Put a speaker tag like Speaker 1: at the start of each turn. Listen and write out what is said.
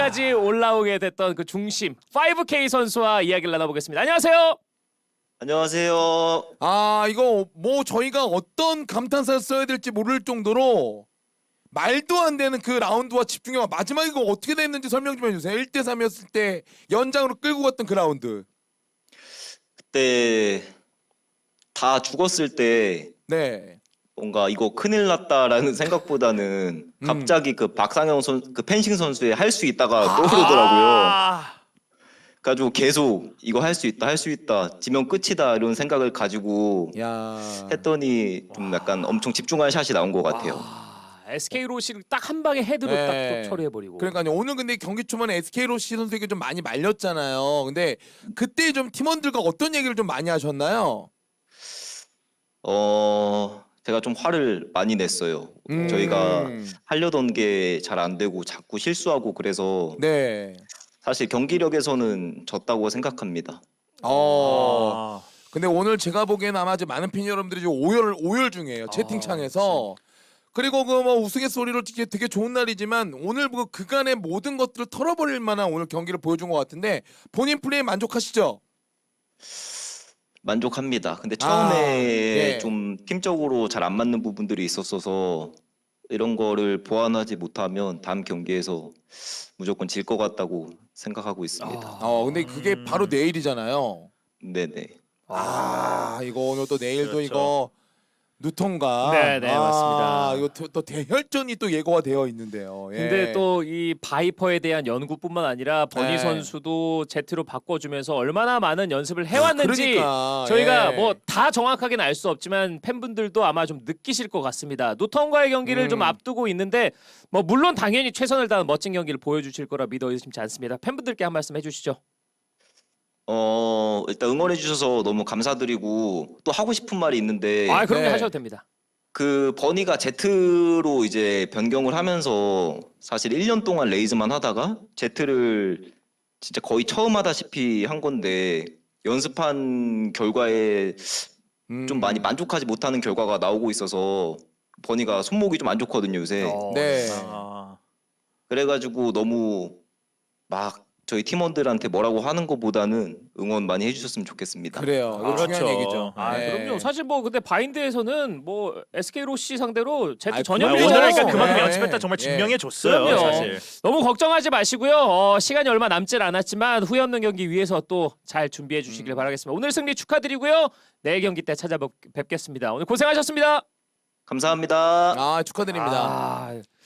Speaker 1: 까지 올라오게 됐던 그 중심 5K 선수와 이야기를 나눠보겠습니다. 안녕하세요.
Speaker 2: 안녕하세요.
Speaker 3: 아 이거 뭐 저희가 어떤 감탄사를 써야 될지 모를 정도로 말도 안 되는 그 라운드와 집중력 마지막에 이거 어떻게 됐는지 설명 좀 해주세요. 1대3이었을 때 연장으로 끌고 갔던 그 라운드.
Speaker 2: 그때 다 죽었을 때
Speaker 3: 네.
Speaker 2: 뭔가 이거 큰일 났다라는 생각보다는 갑자기 그 박상영 그 펜싱 선수의 할 수 있다가 떠오르더라고요.
Speaker 1: 아,
Speaker 2: 가지고 계속 이거 할 수 있다, 할 수 있다, 지면 끝이다 이런 생각을 가지고
Speaker 3: 야.
Speaker 2: 했더니 좀 약간 엄청 집중한 샷이 나온 것 같아요.
Speaker 1: SK 로시를 딱 한 방에 헤드로
Speaker 3: 네.
Speaker 1: 딱 처리해버리고.
Speaker 3: 그러니까요. 오늘 근데 경기 초반에 SK 로시 선수에게 좀 많이 말렸잖아요. 근데 그때 좀 팀원들과 어떤 얘기를 좀 많이 하셨나요?
Speaker 2: 제가 좀 화를 많이 냈어요. 저희가 하려던 게 잘 안 되고 자꾸 실수하고 그래서
Speaker 3: 네.
Speaker 2: 사실 경기력에서는 졌다고 생각합니다.
Speaker 1: 아,
Speaker 3: 근데 오늘 제가 보기에는 아마 이제 많은 팬 여러분들이 지금 오열 중이에요. 채팅창에서. 그리고 그 뭐 우스갯 소리로 되게 좋은 날이지만 오늘 그 그간의 모든 것들을 털어버릴 만한 오늘 경기를 보여준 것 같은데 본인 플레이 만족하시죠?
Speaker 2: 만족합니다. 근데 처음에
Speaker 3: 예.
Speaker 2: 좀 팀적으로 잘 안 맞는 부분들이 있었어서 이런 거를 보완하지 못하면 다음 경기에서 무조건 질 것 같다고 생각하고 있습니다.
Speaker 3: 근데 그게 바로 내일이잖아요.
Speaker 2: 네네.
Speaker 3: 이거 오늘 또 내일도
Speaker 1: 그렇죠.
Speaker 3: 이거 누통과
Speaker 1: 네, 맞습니다.
Speaker 3: 이거 또 대혈전이 또 예고가 되어 있는데요. 예.
Speaker 1: 근데 또 이 바이퍼에 대한 연구뿐만 아니라 버니
Speaker 3: 네.
Speaker 1: 선수도 제트로 바꿔주면서 얼마나 많은 연습을 해왔는지
Speaker 3: 그러니까,
Speaker 1: 저희가
Speaker 3: 예.
Speaker 1: 뭐 다 정확하게는 알 수 없지만 팬분들도 아마 좀 느끼실 것 같습니다. 노턴과의 경기를 좀 앞두고 있는데 뭐 물론 당연히 최선을 다한 멋진 경기를 보여주실 거라 믿어 의심치 않습니다. 팬분들께 한 말씀 해주시죠.
Speaker 2: 일단 응원해 주셔서 너무 감사드리고 또 하고 싶은 말이 있는데
Speaker 1: 그럼요.
Speaker 3: 네.
Speaker 1: 하셔도 됩니다.
Speaker 2: 그 버니가 Z로 이제 변경을 하면서 사실 1년 동안 레이즈만 하다가 Z를 진짜 거의 처음 하다시피 한 건데 연습한 결과에 좀 많이 만족하지 못하는 결과가 나오고 있어서 버니가 손목이 좀 안 좋거든요 요새.
Speaker 3: 네.
Speaker 2: 그래가지고 너무 막 저희 팀원들한테 뭐라고 하는 것보다는 응원 많이 해주셨으면 좋겠습니다.
Speaker 3: 그래요. 이거 중요한 얘기죠. 네.
Speaker 1: 그럼요. 사실 뭐 근데 바인드에서는 뭐 SK 로시 상대로 제트
Speaker 3: 아이,
Speaker 1: 전염이잖아요.
Speaker 3: 그럼요.
Speaker 4: 오늘 그러니까 그만큼
Speaker 3: 네.
Speaker 4: 연습했다 정말
Speaker 3: 예.
Speaker 4: 증명해 줬어요.
Speaker 1: 그럼요.
Speaker 4: 사실.
Speaker 1: 너무 걱정하지 마시고요. 시간이 얼마 남질 않았지만 후회 없는 경기 위해서 또 잘 준비해 주시길 바라겠습니다. 오늘 승리 축하드리고요. 내일 경기 때 찾아뵙겠습니다. 오늘 고생하셨습니다.
Speaker 2: 감사합니다.
Speaker 3: 축하드립니다.